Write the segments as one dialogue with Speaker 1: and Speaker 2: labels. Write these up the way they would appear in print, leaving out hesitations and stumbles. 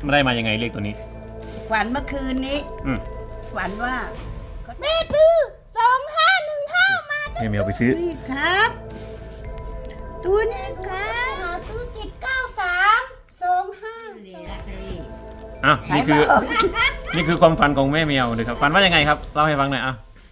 Speaker 1: ไม่ได้มายังไงเลขตัวนี้
Speaker 2: ฝันเมื่อคืนนี้ ฝันว่าแม่ซื้อ2515มา
Speaker 1: ให้แมวไปซื้อ
Speaker 2: นี่ครับตัวนี้ครับซื้อ79325นี่ลอตเตอรี่
Speaker 1: อ้าวนี่คือความฝันของแม่แมวเลยครับฝันว่ายังไงครับเล่าให้ฟังหน่อย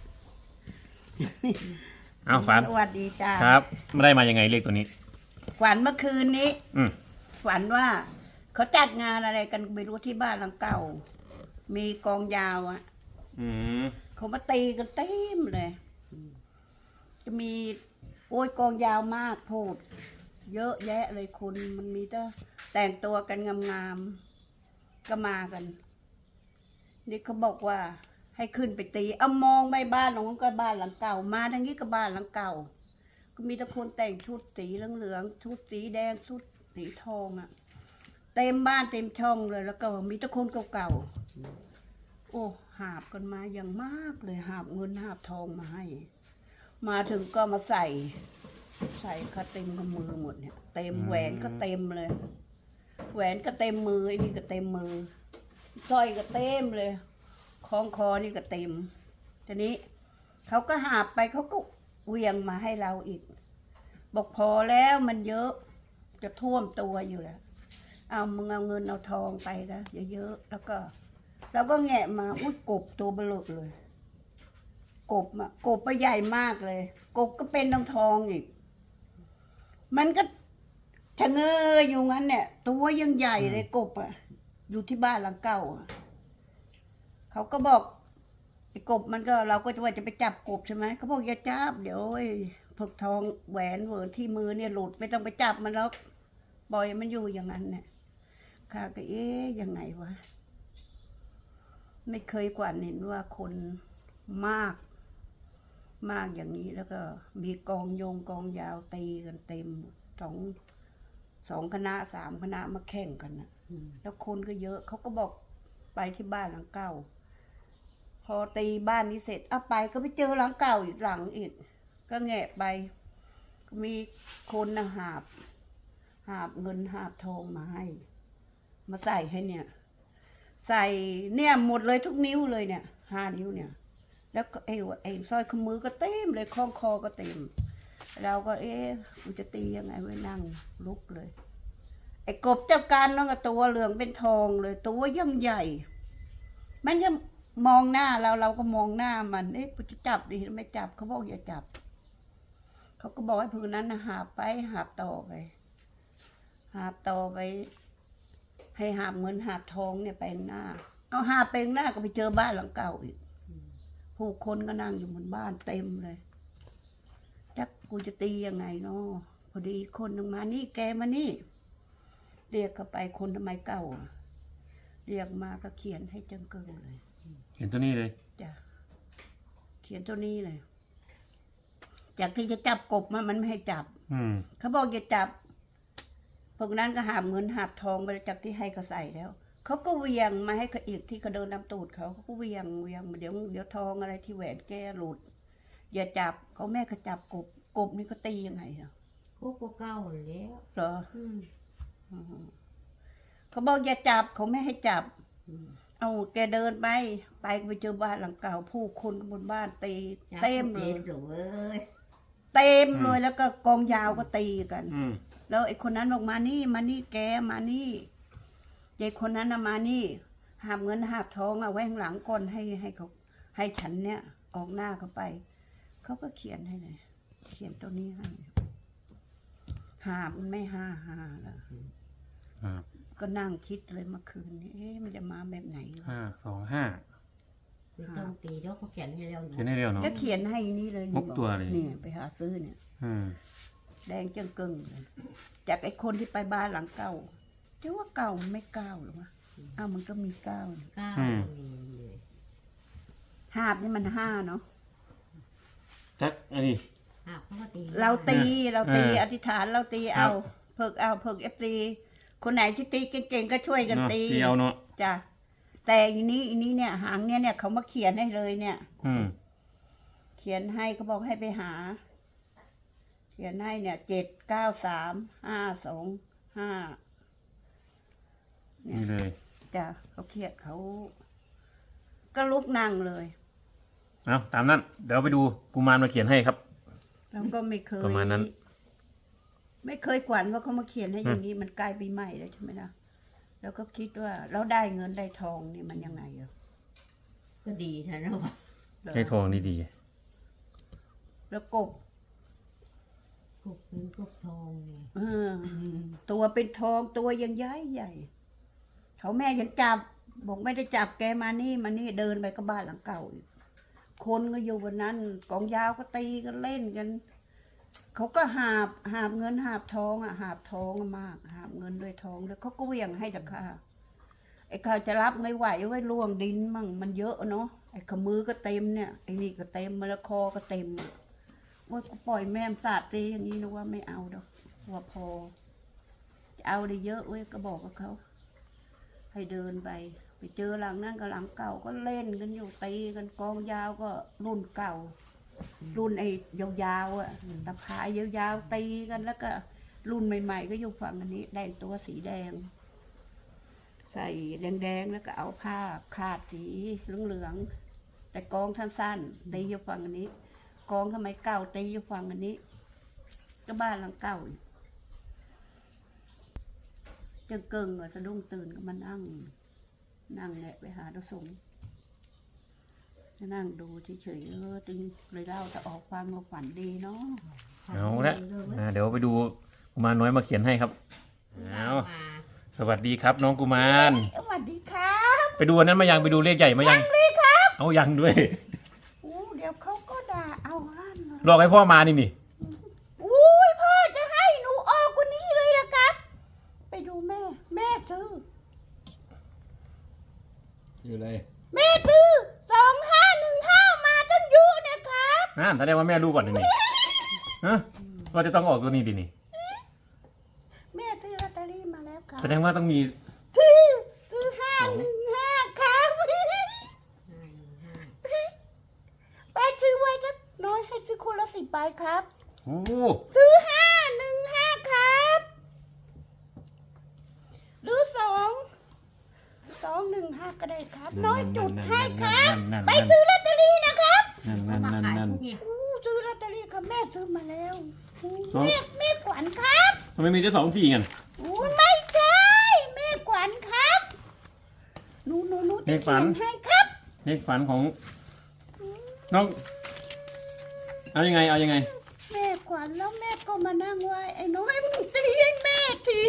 Speaker 1: อ้าวฝัน
Speaker 2: สวัสดีจ้า
Speaker 1: ครับไม่ได้มายังไงเลขตัวนี้
Speaker 2: ฝันเมื่อคืนนี้
Speaker 1: ฝัน
Speaker 2: ว่าเขาจัดงานอะไรกันไม่รู้ที่บ้านหลังเก่า มีกองยาวอ่ะเขามาตีกันเต็มเลยจะมีโอ้ยกองยาวมากโพดเยอะแยะเลยคนมันมีแต่งตัวกันงามๆก็มากันนี่เขาบอกว่าให้ขึ้นไปตีเอามองไปบ้านของก็บ้านหลังเก่ามาทางนี้ก็บ้านหลังเก่าก็มีแต่คนแต่งชุดสีเหลืองๆชุดสีแดงชุดสีทองอ่ะเต็มบ้านเต็มช่องเลยแล้วก็มีแต่คนเก่าๆโอ้หาบกันมาอย่างมากเลยหาบเงินหาบทองมาให้มาถึงก็มาใส่ก็เต็มกับมือหมดเนี่ยเต็มแหวนก็เต็มเลยแหวนก็เต็มมือไอ้นี่ก็เต็มมือสร้อยก็เต็มเลยคล้องคอนี่ก็เต็มทีนี้เขาก็หาบไปเขาก็เวียงมาให้เราอีกบอกพอแล้วมันเยอะจะท่วมตัวอยู่แล้วเอามึงเอาเงินเอาทองไปนะเยอะๆแล้วก็เราก็แงะมาอุ้ยกบตัวเบลอเลยกบไปใหญ่มากเลยกบก็เป็นทองอีกมันก็ชะเง้ออยู่งั้นเนี่ยตัวยังใหญ่เลยกบอ่ะอยู่ที่บ้านหลังเก่าอ่ะเขาก็บอกไอ้กบมันก็เราก็จะว่าจะไปจับกบใช่ไหมเขาบอกอย่าจับเดี๋ยวพวกทองแหวนเวิร์นที่มือเนี่ยหลุดไม่ต้องไปจับมันแล้วปล่อยมันอยู่อย่างนั้นเนี่ยข้าก็ยังไงวะไม่เคยกว่าเห็นว่าคนมากอย่างนี้แล้วก็มีกองยาวตีกันเต็มสองคณะ3 คณะมาแข่งกันนะแล้วคนก็เยอะเขาก็บอกไปที่บ้านหลังเก่าพอตีบ้านนี้เสร็จเอาไปก็ไปเจอหลังเก่าอีกหลังอีกก็แงะไปก็มีคนนะหาบเงินหาบทองมาให้มาใส่ให้เนี่ยใส่เนี่ยหมดเลยทุกนิ้วเลยเนี่ย5 นิ้วเนี่ยแล้วก็ไอ้สร้อยข้อมือก็เต็มเลยคล้องคอก็เต็มเราก็กูจะตียังไงไว้นั่งลุกเลยไอ้กบเจ้าการน้องกับตัวเหลืองเป็นทองเลยตัวยังใหญ่มันจะมองหน้าเราก็มองหน้ามันกูจะจับดิไม่จับเขาบอกอย่าจับเขาก็บอกให้พื้นนั้นหาบไปหาบต่อไปให้หาบเงินหาบทองเนี่ยไปหน้าเอาหาบไปหน้าก็ไปเจอบ้านหลังเก่าอีกผู้คนก็นั่งอยู่บนบ้านเต็มเลยจักกูจะตียังไงเนาะพอดีคนหนึ่งมานี่แกมานี่เรียกเข้าไปคนทำไมเก่าเรียกมาก็เขียนให้จังเกิงเลย
Speaker 1: เขียนตัวนี้เลย
Speaker 2: จ้ะเขียนตัวนี้เลยจากที่จะจับกบมันไม่ให้จับเขาบอกอย่าจับพวกนั้นก็หาบเงินหาบทองไปจากที่ให้เขาใส่แล้วเขาก็เวียงมาให้เขาอีกที่เขาเดินนำตูดเขาก็เวียงเดี๋ยวทองอะไรที่แหวนแกหลุดอย่าจับเขาแม่เขาจับกบนี่เขาตียังไงเหรอ
Speaker 3: ก็เก้าแล้ว
Speaker 2: เหรอเขาบอกอย่าจับเขาไม่ให้จับเอาแกเดินไปเจอบ้านหลังเก่าผู้คนบนบ้านตีเต็มเลยเต็มเลยแล้วก็กองยาวก็ตีกันแล้วไอ้คนนั้นบอกมานี่แกมานี่ยายคนนั้นมานี่หาบเงินหาบทองเอาไว้ข้างหลังก่อนให้เขาให้ฉันเนี่ยออกหน้าเขาไปเขาก็เขียนให้เลยเขียนตัวนี้ให้หาบมันไม่ห้าแล้วก็นั่งคิดเลยเมื่อคืนนี้มันจะมาแบบไหน
Speaker 1: 525
Speaker 3: ต้องตีแล้วเขาเขียนให้เรา
Speaker 1: เขียนให้เร็วเนาะ
Speaker 2: ก็เขียนให้นี่เลย
Speaker 1: 6 ตัวเลย
Speaker 2: นี่ไปหาซื้อเนี่ยแดงจังกึ่งเลยจากไอ้คนที่ไปบ้านหลังเก่าจะว่าเก่าไม่เก้าหรือวะมันก็มี9หาบนี่มัน5เนาะ
Speaker 1: จักอันนี้
Speaker 2: เราตีอธิษฐานเราตีเอาเพิกFTคนไหนที่ตีเก่งๆก็ช่วยกันตี
Speaker 1: เอาเนาะ
Speaker 2: จ้ะแต่อีนี้เนี่ยหางเนี่ยเขามาเขียนให้เลยเนี่ยเขียนให้เขาบอกให้ไปหาเขียนให้เนี่ย79352 5
Speaker 1: นี่เลย
Speaker 2: จ้ะเขาเครียดเขาก็ลุกนั่งเลย
Speaker 1: เอาตามนั้น เดี๋ยวไปดูกุมารมาเขียนให้ครับ
Speaker 2: แล้วก็ไม่เคย
Speaker 1: ประมาณนั้น
Speaker 2: ไม่เคยขวัญว่าเขามาเขียนให้อย่างนี้มันใกล้ปีใหม่แล้วใช่ไหมล่ะแล้วก็คิดว่าเราได้เงินได้ทองนี่มันยังไงอ่ะ
Speaker 3: ก็ดีแท้นะวะ
Speaker 1: ให้ทองดี
Speaker 2: แล้วกบ
Speaker 3: กบเป็นกบทองไง
Speaker 2: เออตัวเป็นทองตัวยังใหญ่ใหญ่เขาแม่ยังจับบอกไม่ได้จับแกมานี่เดินไปก็บ้านหลังเก่าอีกคนก็อยู่บนนั้นกองยาวก็ตีกันเล่นกันเขาก็หาบเงินหาบทองอ่ะหาบทองมากหาบเงินด้วยทองแล้วเขาก็เหวี่ยงให้จากข้าไอ้ข้าจะรับไม่ไหวไว้ล่วงดินมั่งมันเยอะเนาะไอ้ขมือก็เต็มเนี่ยไอ้นี่ก็เต็มมะละคอก็เต็มอะว่ากูปล่อยแม่มสาดตีอย่างนี้นะว่าไม่เอาดอกว่าพอจะเอาได้เยอะเว้ยก็บอกกับเขาให้เดินไปเจอหลังนั่นกับหลังเก่าก็เล่นกันอยู่ตีกันกองยาวก็รุ่นเก่า รุ่นไอ้ยาวๆอ่ะตะพายยาวๆตีกันแล้วก็รุ่นใหม่ๆก็อยู่ฝั่งอันนี้แดงตัวสีแดง ใส่แดงๆแล้วก็เอาผ้าคาดสีเหลืองๆแต่กองท่านสั้นตีอยู่ฝั่งอันนี้กองทำไมเก่าตีอยู่ฝั่งอันนี้ก็บ้านหลังเก่าจังเกิงสะดุ้งตื่นก็มานั่งแหละไปหาดสงนั่งดูเฉยๆจึงเลยเล่าจะออกความมาฝันดีเนาะ
Speaker 1: ๆเอาละเดี๋ยวไปดูกุมารน้อยมาเขียนให้ครับเอา
Speaker 3: มา
Speaker 1: สวัสดีครับ น้องกุมาร
Speaker 2: สวัสดีครับ
Speaker 1: ไปดูอันนั้นมายังไปดูเลขใหญ่มายัง
Speaker 2: เลยครับ
Speaker 1: เอายังด้วย
Speaker 2: เดี๋ยวเขาก็ด่าเอาลั่น
Speaker 1: รอให้พ่อมานี่
Speaker 2: อุ้ยพ่อจะให้หนูออกกว่านี้เลยละครับ ไปดูแม่ซื้อ
Speaker 1: อยู่เลย
Speaker 2: แม่ซื้อ2515มาตั้งเยอะนะครับ
Speaker 1: แสดงว่าแม่รู้ก่อนนี่ฮะว่าจะต้องออกตัวนี้ดินี่
Speaker 2: แม่ซื้อลอตเตอรี่มาแล้วครับ
Speaker 1: แสดงว่าต้องมี
Speaker 2: ซื้อ515ครับไปซื้อไว้สักน้อยให้ซื้อคนละ10 ใบครับ
Speaker 1: โอ้
Speaker 2: ซื้อ515ครับหรือ215ก็ได้ครับ น้อยจุดให้ครับ ไปซื้อลอตเตอรี่นะครับ
Speaker 3: มาขายพวกนี้
Speaker 2: ซื้อลอตเตอรี่ครับแม่ซื้อมาแล้วอู้
Speaker 1: อ๋อ
Speaker 2: แม่ขวัญครับ
Speaker 1: ทำไมมีจะ2-4กัน
Speaker 2: อู้ไม่ใช่แม่ขวัญครับหนูจะเขียนให้ครับ
Speaker 1: เลขฝันของน้องเอายังไง
Speaker 2: แม่ขวัญแล้วแม่ก็มานั่งไหวไอ้น้อยมึงตีให้แม่ที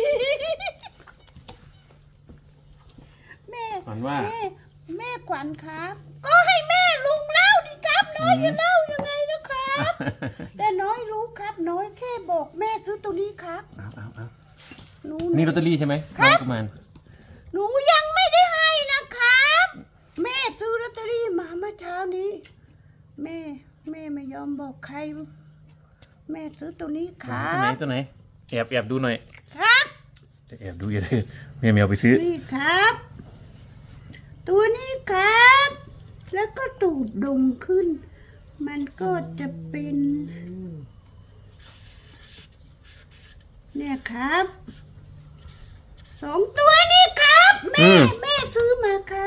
Speaker 2: แม่
Speaker 1: ฝันว่า
Speaker 2: แม่ขวัญครับ ก็ให้แม่ลุงเล่าดิครับน้อยจะเล่ายังไงนะครับ แต่น้อยรู้ครับน้อยแค่บอกแม่ซื้อตัวนี้ครับ
Speaker 1: เอา
Speaker 2: หนู
Speaker 1: นี่ลอตเตอรี่ใช่ไหมน้องกุมาร
Speaker 2: หนูยังไม่ได้ให้นะครับ แม่ซื้อลอตเตอรี่มาเมื่อเช้านี้ แม่ไม่ยอมบอกใคร แม่ซื้อตัวนี้ครั
Speaker 1: ตัวไหน
Speaker 2: บ
Speaker 1: แอบดูหน่อย
Speaker 2: ครับ
Speaker 1: แอบดูอย่าเลยแม่แมวไปซื้อ
Speaker 2: นี่ครับ ตัวนี้ครับ แล้วก็ตูดดงขึ้น มันก็จะเป็น เนี่ยครับ2 ตัวนี้ครับแม่ซื้อมาครับ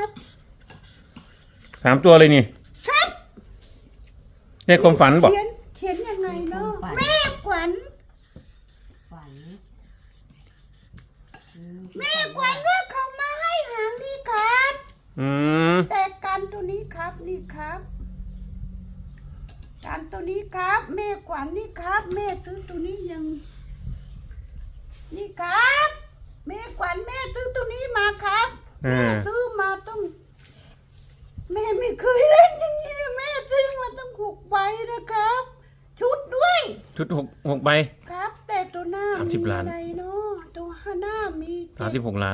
Speaker 1: 3 ตัวเลยนี่
Speaker 2: ครับ
Speaker 1: เลขความฝันบอก
Speaker 2: เขียนยังไงเนาะแม่ขวัญ
Speaker 3: ฝัน
Speaker 2: แม่ขวัญว่าเขามาให้หางนี่ครับ
Speaker 1: อืม
Speaker 2: แต่กันตัวนี้ครับนี่ครับกันตัวนี้ครับ แม่ขวัญนี่ครับ แม่ซื้อตัวนี้ยัง นี่ครับ แม่ขวัญแม่ซื้อตัวนี้มาครับแม่ซื้อมาต้อง แม่ไม่เคยเล่นอย่างนี้เลยแม่ซื้อมาต้อง6 ใบนะครับ ชุดด้วย
Speaker 1: ชุด6 ใบ
Speaker 2: ครับ แต่ตัวหน้ามี
Speaker 1: 30 ล้าน
Speaker 2: อะไรเนาะตัวหน้ามี7
Speaker 1: 36 ล้าน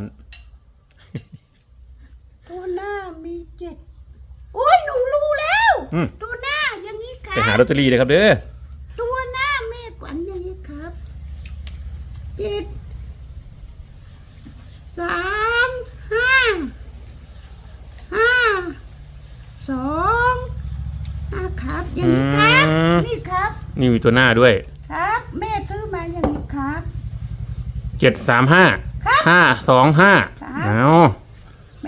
Speaker 2: ตัวหน้ามี7โอ้ยหนูรู้แล้ว ตัวหน้าอย่างนี้ครั
Speaker 1: ไปหา
Speaker 2: บ
Speaker 1: ลอตเตอรี่เลยครับเด้อ
Speaker 2: ตัวหน้าแม่ขวัญอย่างนี้ครับ7 3 5 2 5ครับ อย่างนี้ครับ นี่ครับ
Speaker 1: นี่มีตัวหน้าด้วย
Speaker 2: ครับ แม่ซื้อมาอย่างนี้ครับ
Speaker 1: 735 525เอา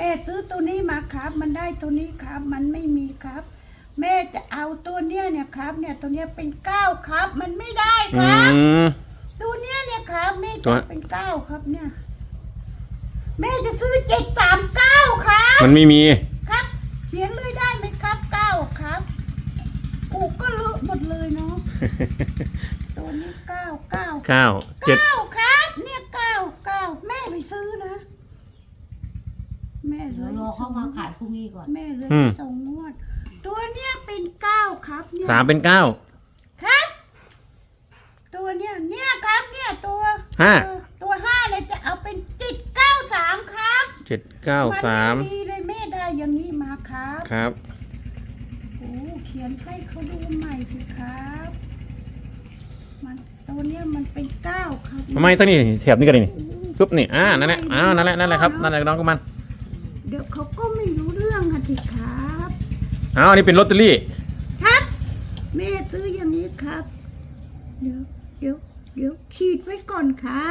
Speaker 2: ได้ตัวนี้ครับ มันไม่มีครับ แม่จะเอาตัวเนี้ยเนี่ยครับ เนี่ยตัวเนี้ยเป็น9ครับ มันไม่ได้ครับ ตัวเนี้ยเนี่ยครับแม่จะเป็น9ครับเนี่ย แม่จะซื้อ739ครับ
Speaker 1: มันไม่มี
Speaker 2: ครับเขียนเลยได้ไหมครับ9ครับก็เลอะหมดเลยเนาะ ตัวนี้9
Speaker 1: เก้าเจ็ด
Speaker 2: ครับเนี่ย9แม่ไปซื้อนะ แม่เล
Speaker 3: เดี๋ยวย รอเข้ามาขายพรุ่งนี้ก่อน
Speaker 2: แม่เลยส่งงวด ตัวเนี้ยเป็น9ครับเนี่ย
Speaker 1: 3เป็น 9
Speaker 2: ครับ ตัวเนี้ยครับเนี่ยตัว
Speaker 1: 5
Speaker 2: ตัว5เลยจะเอาเป็น793ครับ
Speaker 1: 793
Speaker 2: มันไม่ดีเลยแม่ได้อย่างนี้มาครับ
Speaker 1: ครับ
Speaker 2: โอ้เขียนให้เขาดูใหม่สิครับ มันตัวเนี้ยมันเป็น9ครับ
Speaker 1: ทำไมตัวนี้แถบนี้กันนี่ปุ๊บนี่นั่นแหละนั่นแหละครับนั่นแหละน้องกุมาร
Speaker 2: เดี๋ยวเขาก็ไม่รู้เรื่องกันสิครับ
Speaker 1: อันนี้เป็นลอตเตอรี่
Speaker 2: ครับ แม่ซื้ออย่างนี้ครับ เดี๋ยวขีดไว้ก่อนครับ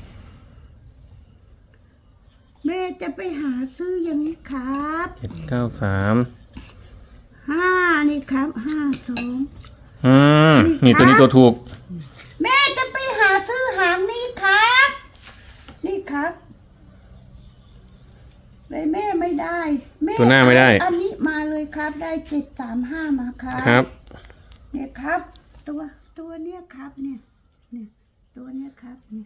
Speaker 2: แม่จะไปหาซื้ออย่างนี้ครับ
Speaker 1: 793
Speaker 2: 5นี่ครับ52
Speaker 1: นี่ตัวนี้ตัวถูก
Speaker 2: แม่จะไปหาซื้อหางนี้ครับ นี่ครับเลยแม่ไม่ได้แม่
Speaker 1: ตัวหน้าไม่ได้
Speaker 2: อันนี้มาเลยครับ ได้735มาครับ
Speaker 1: ครับ
Speaker 2: เนี่ยครับ ตัวเนี้ยครับ เนี่ยตัวเนี้ยครับเนี่ย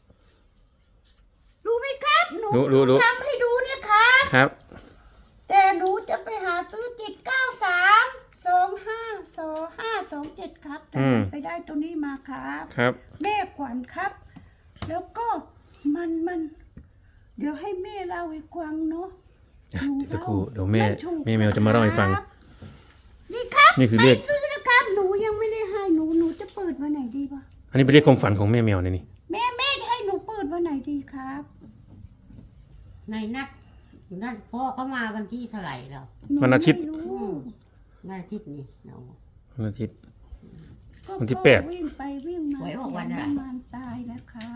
Speaker 2: รู้ไหมครับหนู
Speaker 1: รู้
Speaker 2: ทำให้ดูเนี่ยครับ
Speaker 1: ครับ
Speaker 2: แต่หนูจะไปหาซื้อ793252527ครับแต่ไปได้ตัวนี้มาครับ
Speaker 1: ครับ
Speaker 2: แม่ขวัญครับ แล้วก็มันเดี๋ยวให้แม่เล่าให้ฟังเนาะ
Speaker 1: เดี๋ยวสักครู่เดี๋ยวแม่แมวจะมาเล่าให้ฟัง
Speaker 2: ครับนี่ครับ
Speaker 1: นี่คือเลข
Speaker 2: ไปซื้อนะครับ หนูยังไม่ได้ให้หนูจะเปิดวันไหนดีวะ
Speaker 1: อันนี้เป็นเลขความฝันของแม่แมวนะนี่
Speaker 2: แม่จะให้หนูเปิดวันไหนดีครับ
Speaker 3: ในนัดพ่อเขามาวันที่เท่าไหร่แล้ว
Speaker 2: ห
Speaker 1: วันอาทิตย์
Speaker 2: ไม่รู้
Speaker 3: วันอาทิตย์นี่เนาะ
Speaker 1: วันอาทิตย์
Speaker 2: ก็
Speaker 1: วันที่
Speaker 2: พ่อ
Speaker 1: 8
Speaker 2: วิ่งไปวิ่งมา
Speaker 3: หวยออกวันอะไร
Speaker 2: เสียน้ำมันตายแล้วครับ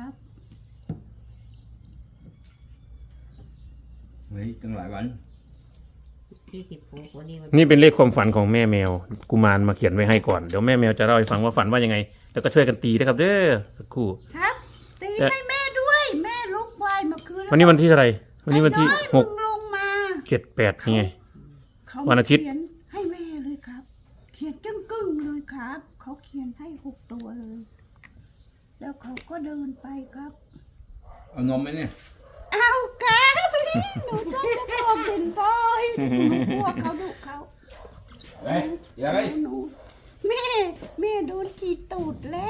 Speaker 4: เฮ้ยตั้งหลายวัน
Speaker 3: ที่16วันนี้วัน
Speaker 1: นี่เป็นเลขความฝันของแม่แมวกุมารมาเขียนไว้ให้ก่อนเดี๋ยวแม่แมวจะเล่าให้ฟังว่าฝันว่ายังไง แล้วก็ช่วยกันตีนะครับเด้อสักครู่
Speaker 2: ครับ ตี
Speaker 1: แต่
Speaker 2: ให้แม่ด้วย แม่ลุกไหวเมื่อคืน
Speaker 1: วันนี้วันที่เท่าไหร่วันนี้วันที่
Speaker 2: ไอ้อย
Speaker 1: 6
Speaker 2: มึงลงมา
Speaker 1: 7 8นี่ไง
Speaker 2: เขา
Speaker 1: วันอาทิตย์
Speaker 2: เขียนให้แม่เลยครับ เขียนจึ้งเลยครับ เขาเขียนให้6ตัวเลย แล้วเขาก็เดินไปครับ
Speaker 4: เอานมไหมเนี่ย
Speaker 2: เอาครับหนูชอบจะบอกเด่นบอยหนูกลัวเขาดุเขา
Speaker 4: เฮ้ยอย่าไป
Speaker 2: หนูแม่โดนขีดตูดแล้ว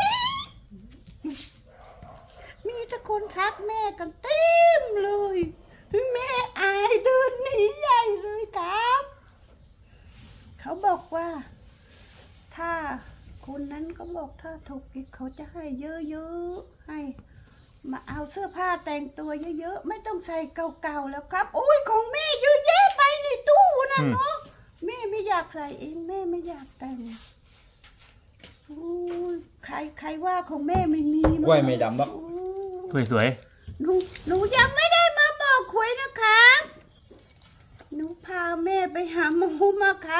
Speaker 2: มีแต่คนทักแม่กันเต็มเลย แม่อายเดินหนีใหญ่เลยครับ เขาบอกว่า ถ้าคนนั้นก็บอกถ้าถูกอีกเขาจะให้เยอะๆให้ มาเอาเสื้อผ้าแต่งตัวเยอะๆไม่ต้องใส่เก่าๆแล้วครับโอ้ยของแม่เยอะแยะไปในตู้นะเนาะแม่ไม่อยากใส่เองแม่ไม่อยากแต่งโอ้ยใครว่าของแม่ไม่มี
Speaker 4: กล้วยไม่ดำหรอก
Speaker 2: โอ้ย
Speaker 1: สวย
Speaker 2: หนูยังไม่ได้มาบอกหวยนะครับหนูพาแม่ไปหาหมอมาครับ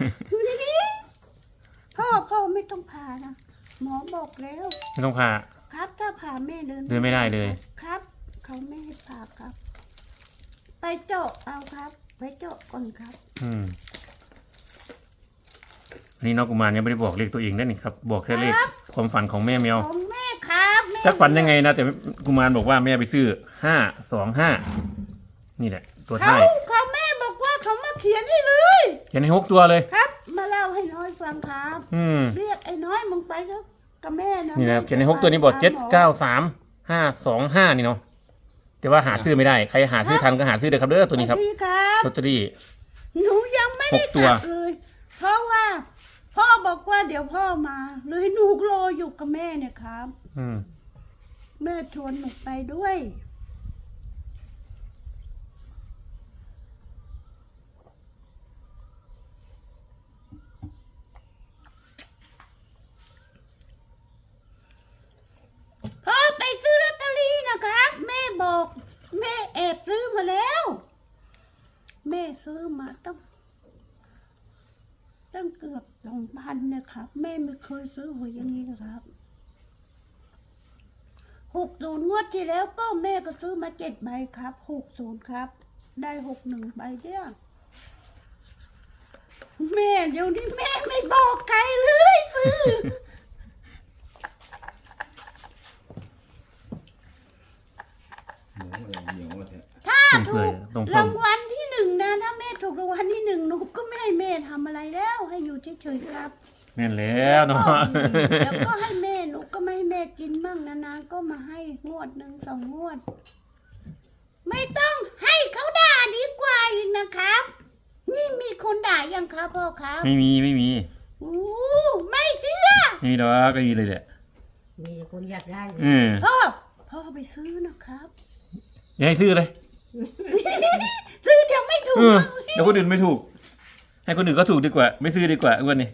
Speaker 2: พ่อไม่ต้องพานะหมอบอกแล้ว
Speaker 1: ๆไม่ต้องพา
Speaker 2: ครับถ้าพาแม่เดิน
Speaker 1: เดินไม่ได้เลย
Speaker 2: ครับ เขาไม่ให้พาครับ ไปเจาะเอาครับ ไปเจาะก่อนครับ
Speaker 1: อันนี้น้องกุมารยังไม่ได้บอกเลขตัวเองได้นี่ครับ บอกแค่เลข
Speaker 2: ครับ
Speaker 1: ความฝันของแม่แมว
Speaker 2: ของแม่ครับแม่
Speaker 1: จักฝันยังไงนะแต่กุมารบอกว่าแม่ไปซื้อ525นี่แหละ ตัว
Speaker 2: เขา
Speaker 1: ท้าย
Speaker 2: เขาแม่บอกว่าเขามาเขียนให้เลย
Speaker 1: เขียนให้6 ตัวเลย
Speaker 2: ครับ มาเล่าให้น้อยฟังครับ เรียกไอ้น้อยมึงไปเถอะกับแม่นะ
Speaker 1: นี่นะครับเขียนใน6ตัวนี้บอก793 525นี่เนาะแต่ว่าหาซื้อไม่ได้ใครหาซื้อทันก็หาซื้อเลยครับเด้อตัวนี้ครับ
Speaker 2: สวัสดีครับ
Speaker 1: ลอตเตอรี่
Speaker 2: หนูยังไม่ได้
Speaker 1: 6ตัว
Speaker 2: กลับเลย เพราะว่า พ่อบอกว่าเดี๋ยวพ่อมาเลยหนูรออยู่กับแม่เนี่ยครับ แม่ชวนหนูไปด้วยพ่อไปซื้อลอตเตอรี่นะครับ แม่บอก แม่แอบซื้อมาแล้ว แม่ซื้อมาตั้งเกือบ2,000นะครับ แม่ไม่เคยซื้อหวยอย่างนี้นะครับ60งวดที่แล้วก็แม่ก็ซื้อมา7 ใบครับ60ครับ ได้61 ใบเดียวแม่เดี๋ยวนี้แม่ไม่บอกใครเลยซื้อ
Speaker 4: เหนียวอะไรเหนียวอะไรเนี่ย
Speaker 2: ถ้าถูก
Speaker 1: ตรง
Speaker 2: รางวัลที่1นะถ้าแม่ถูกรางวัลที่1หนูก็ไม่ให้แม่ทำอะไรแล้ว ให้อยู่เฉยๆครับ
Speaker 1: แม่นแล้วเนาะ
Speaker 2: แล้วก็ให้แม่หนูก็ไม่ให้แม่กินบ้างนานๆก็มาให้งวด1 2 งวด ไม่ต้องให้เขาด่าดีกว่าอีกนะครับ นี่มีคนด่ายังครับพ่อครับ
Speaker 1: ไม่มี
Speaker 2: อู้ไม่เชื่อ
Speaker 1: ไม่มีหรอกไม่มีเลยแหละ
Speaker 3: มีแต่คนอยากได้
Speaker 2: พ่อไปซื้อนะครับ
Speaker 1: อย่าให้ซื้อเลย
Speaker 2: ซื้อเดี๋ยวไม่ถูก
Speaker 1: เดี๋ยวคนอื่นไม่ถูก ให้คนอื่นก็ถูกดีกว่า ไม่ซื้อดีกว่าอ้วนนี่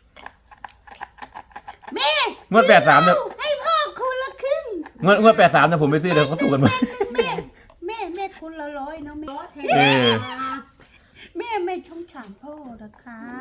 Speaker 2: แม่
Speaker 1: งวด83เนี่ย
Speaker 2: ให้พ่อคนละครึ่ง
Speaker 1: งวด83นะผมไม่ซื้อเดี๋ยวเขาถูกกันหมด
Speaker 2: แม่คนละ100เนาะแม่
Speaker 3: โต๊ะเท
Speaker 1: เออ
Speaker 2: แม่ไม่ชงฉานพ่อนะครับ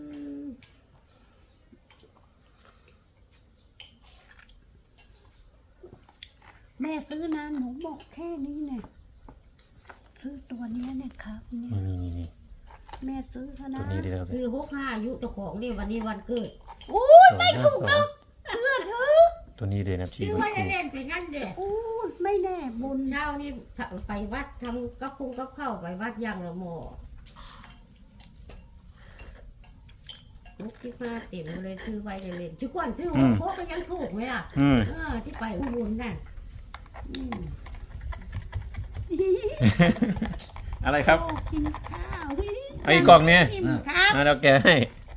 Speaker 2: แม่ซื้อนะหนูบอกแค่นี้เนี่ยซื้อตัวเนี้ยเนี่ยครับเนี่ย
Speaker 1: นี่
Speaker 2: แม่ซื้อซะ
Speaker 1: ตั
Speaker 2: นะ
Speaker 1: วนี้ดีแล้ว
Speaker 3: ซื้อ65อายุเจ้าของนี่วันนี้วันเกิด
Speaker 2: โอ้ยไม่ถูกหรอกเชื่อเถอะ
Speaker 1: ตัวนี้ดีนะชี
Speaker 3: ซื้อ
Speaker 1: มัน
Speaker 3: ไว้
Speaker 1: ถูก
Speaker 3: เล่นๆไปงั้นเด็
Speaker 2: โอ้ยไม่แน่บุญ
Speaker 3: เช้านี่ไปวัดทำกับคุงกับข้าวไปวัดย่างละหม้อลูกที่มาเต็มเลยซื้อไว้เล่นๆทุกคนซื้อหัวโคก็ยังถูกไหมล่ะ
Speaker 1: อืม
Speaker 3: ที่ไปอุบลนั่น
Speaker 1: อะไรครับ
Speaker 2: โอ้กินข้าว
Speaker 1: ไอ้กล่องเนี่ย
Speaker 2: อิ่มครับ
Speaker 1: แล้วแกให้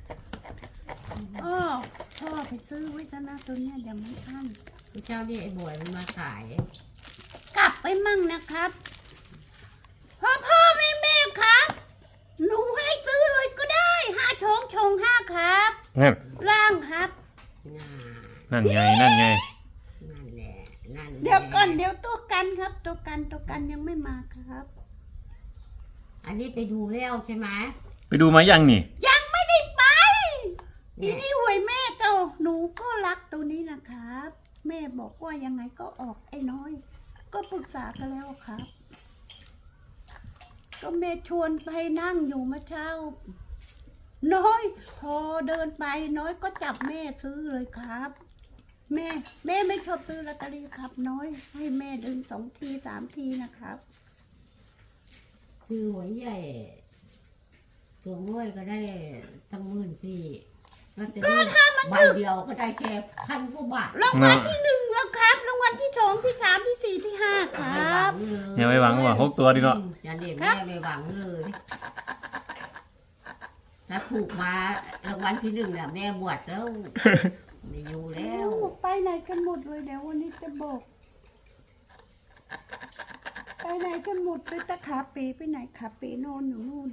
Speaker 2: พ่อไปซื้อไว้ซะนะตัวเนี้ยเดี๋ยวไม่ทัน
Speaker 3: เจ้านี่ไอ้บ่อยมันมาขาย
Speaker 2: กลับไปมั่งนะครับพ่อแม่ครับ หนูให้ซื้อเลยก็ได้5 ชง5ครับ
Speaker 1: นั่น
Speaker 2: ล่างครับ
Speaker 1: นั่นไง นั่นไง
Speaker 3: นั่นแหละนั่นแหละ
Speaker 2: เดี๋ยวก่อนเดี๋ยวตัวกันครับ ตัวกันยังไม่มาครับ
Speaker 3: อันนี้ไปดูแล้วใช่ไหม
Speaker 1: ไปดูมายังนี่
Speaker 2: ยังไม่ได้ไป
Speaker 3: เนี่
Speaker 2: ที
Speaker 3: ย
Speaker 2: นี้หวยแม่ก็หนูก็รักตัวนี้นะครับ แม่บอกว่ายังไงก็ออกไอ้น้อย ก็ปรึกษากันแล้วครับ ก็แม่ชวนไปนั่งอยู่เมื่อเช้า น้อยพอเดินไปน้อยก็จับแม่ซื้อเลยครับ แม่ไม่ชอบซื้อลอตเตอรี่ครับ น้อยให้แม่ดึง2 ที3 ทีนะครับ
Speaker 3: คือหวยใหญ่ตัวน้อยก็ได้ตั้ง14,000แล้วจะได้ใบเดียวก็ได้แค่1,000 กว่าบาท
Speaker 2: รางวัลที่1แล้วครับรางวัลที่2ที่3ที่4ที่5ครับ
Speaker 1: ยังไม่หวังว่า6 ตัวดีเนาะ
Speaker 3: อย่าเด็แม่ไม่หวังเลยถ้าถูกมารางวัลที่1น่ะแม่บวชแล้ว ไม่อยู่แล้ว
Speaker 2: ไปไหนกันหมดเลยเดี๋ยววันนี้จะบอก ไปไหนกันหมดเลยตะขาเป๋ไปไหนขาเป๋นอนอยู่นู่น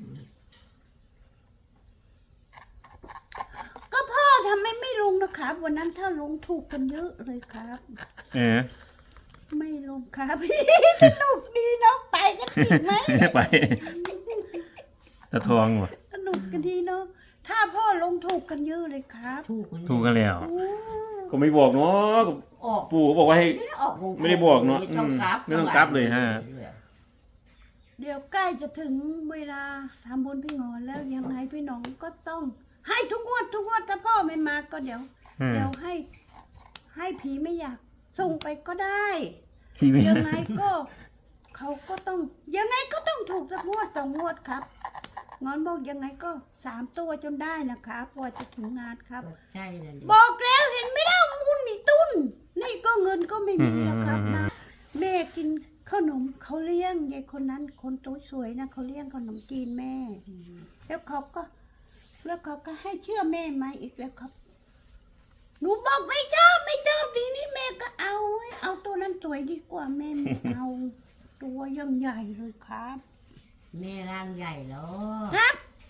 Speaker 2: ก็พ่อทำไมไม่ลงนะครับ วันนั้นถ้าลงถูกกันเยอะเลยครับ
Speaker 1: เออ
Speaker 2: ไม่ลงครับ สนุกดีเนาะไปกันอีกไหม
Speaker 1: ไปตะทองว่ะ
Speaker 2: สนุกกันดีเนาะถ้าพ่อลงถูกกันเยอะเลยครับ
Speaker 1: ถูกกันแล้ว
Speaker 2: โอ้
Speaker 1: ก็ไม่บอกเนาะ
Speaker 3: ออก
Speaker 1: ปู่เขาบอกว่าให้
Speaker 3: ออก
Speaker 1: ไม่ได้บอกเนอะ
Speaker 3: ไม่ต้องกลับ
Speaker 1: ไม่ต้องกลับเลยฮะ
Speaker 2: เดี๋ยวใกล้จะถึงเวลาทำบุญพี่งอนแล้วยังไงพี่น้องก็ต้อง ให้ทุกงวดถ้าพ่อไม่มาก็เดี๋ยว
Speaker 1: อืม
Speaker 2: ให้ผีไม่อยากส่งไปก็ได้
Speaker 1: พี่ไม่
Speaker 2: ยังไงก็เขาก็ต้องยังไงก็ต้องถูกสักงวด2 งวดครับงอนบอกยังไงก็3 ตัวจนได้นะครับกว่าจะถึงงานครับ
Speaker 3: ใช่นั่นดิ
Speaker 2: บอกแล้วเห็นไม่ได้มุนมีตุ้นนี่ก็เงินก็ไม่มีแล้วครับนะแม่กินขนมเขาเลี้ยงยายคนนั้นคนตัวสวยนะเขาเลี้ยงขนมจีนแม่ แล้วเขาก็ให้เชื่อแม่มาอีกแล้วครับ หนูบอกไม่ชอบดีนี่แม่ก็เอาไว้เอาตัวนั้นสวยดีกว่าแม่ไม่เอา ตัวยังใหญ่เลยครับ
Speaker 3: แม่ร่างใหญ่แล้ว
Speaker 2: ครับ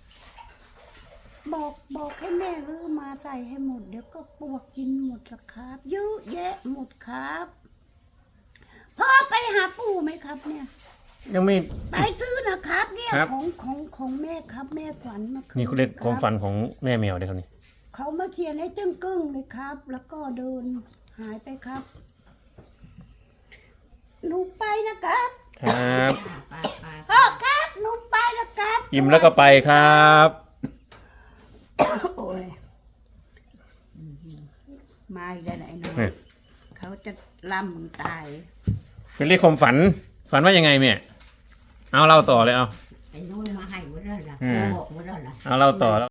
Speaker 2: บอกให้แม่รื้อมาใส่ให้หมดเดี๋ยวก็ปวกกินหมดละครับเยอะแยะหมดครับพ่อไปหาปู่ไหมครับเนี่ย
Speaker 1: ยังไม่
Speaker 2: ไปซื้อนะครับเนี่ย
Speaker 1: ครับ
Speaker 2: ของแม่ครับ แม่ขวัญมาคื
Speaker 1: นี่เขาเรียกความฝั
Speaker 2: น
Speaker 1: นของแม่แมวเลยครับนี่
Speaker 2: เขามาเขียนให้จึ้งกึ้งเลยครับ แล้วก็เดินหายไปครับหนูไปนะครับ
Speaker 1: ครับ
Speaker 3: ไปไป
Speaker 2: พ่อครับหนูไปนะครับ
Speaker 1: อิ่มแล้วก็ไปครับ
Speaker 2: โอ้ยมาอีกได้ไหนเนาะ
Speaker 1: เนี่ย
Speaker 2: เขาจะล่ำมึงตาย
Speaker 1: เป็นเรียกความฝัน ฝันว่ายังไงแม่เอาเล่าต่อเลยเอา
Speaker 3: ไอ้นู้นมาให้หมดแล้วล่ะ
Speaker 1: อืม
Speaker 3: บอกหมดแล้วล่ะ
Speaker 1: เอาเล่าต่อแล้ว